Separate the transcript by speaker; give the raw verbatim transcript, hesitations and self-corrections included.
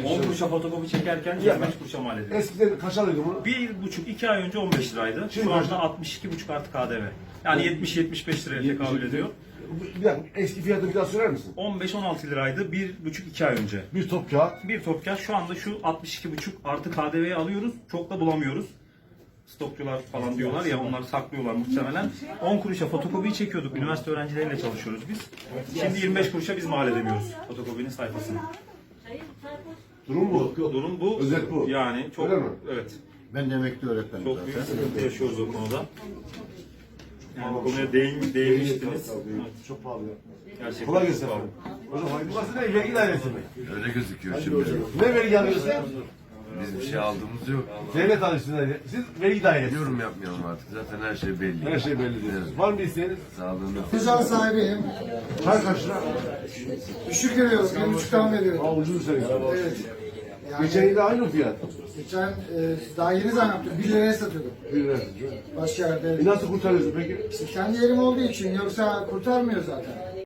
Speaker 1: on kuruşa fotokopi çekerken yirmi beş kuruşa mal ediyoruz.
Speaker 2: Eskiden kaç alıyordun bunu?
Speaker 1: Bir buçuk, iki ay önce on beş liraydı.
Speaker 2: Şimdi
Speaker 1: Şu
Speaker 2: kaç?
Speaker 1: anda altmış iki buçuk artı K D V. Yani yetmiş yetmiş beş liraya tekabül ediyor.
Speaker 2: Bir dakika, eski fiyatı bir daha söyler misin?
Speaker 1: on beş on altı liraydı bir buçuk iki ay önce.
Speaker 2: Bir top kağıt.
Speaker 1: Bir top kağıt şu anda şu altmış iki buçuk artı K D V'yi alıyoruz. Çok da bulamıyoruz. Stokçular falan diyorlar ya, onlar saklıyorlar muhtemelen. on kuruşa fotokopiyi çekiyorduk. Üniversite öğrencileriyle çalışıyoruz biz. Şimdi yirmi beş kuruşa biz mal edemiyoruz fotokopinin sayfasını.
Speaker 2: Durum bu.
Speaker 1: Durum bu.
Speaker 2: Özet bu.
Speaker 1: Yani çok,
Speaker 2: Öyle mi?
Speaker 1: evet.
Speaker 3: Ben de emekli öğretmenim
Speaker 1: Çok
Speaker 3: zaten.
Speaker 1: büyük sıkıntı yaşıyoruz o konuda. Yani bu konuya değin, değinmiştiniz. Evet.
Speaker 2: Çok pahalı ya.
Speaker 1: Gerçekten
Speaker 2: Kolay
Speaker 1: çok
Speaker 2: gelsin
Speaker 1: pahalı.
Speaker 2: efendim. Hocam hayırlı burası ne? Vergi dairesi mi?
Speaker 4: Öyle gözüküyor şimdi.
Speaker 2: Ne vergi alıyorsun?
Speaker 4: Biz bir şey aldığımız yok.
Speaker 2: Devlet alıyorsunuz. Siz vergi dairesi.
Speaker 4: Yorum yapmayalım artık. Zaten her şey belli.
Speaker 2: Her şey belli diyorsunuz. Var mı bir isteğiniz?
Speaker 4: Sağlığını.
Speaker 3: Tezgah sahibiyim.
Speaker 2: Çay kaç lira?
Speaker 3: Düşük veriyoruz. Bir buçuktan veriyorum.
Speaker 2: Aa ucuz söylüyorsun.
Speaker 3: Evet. Yani
Speaker 2: Geçen yıl da aynı fiyat.
Speaker 3: geçen e, daha yeni zam yaptım. Bir liraya satıyordum.
Speaker 2: Bir lira.
Speaker 3: Başka yerde.
Speaker 2: E nasıl kurtarıyorsun peki?
Speaker 3: İşte kendi yerim olduğu için yoksa kurtarmıyor zaten.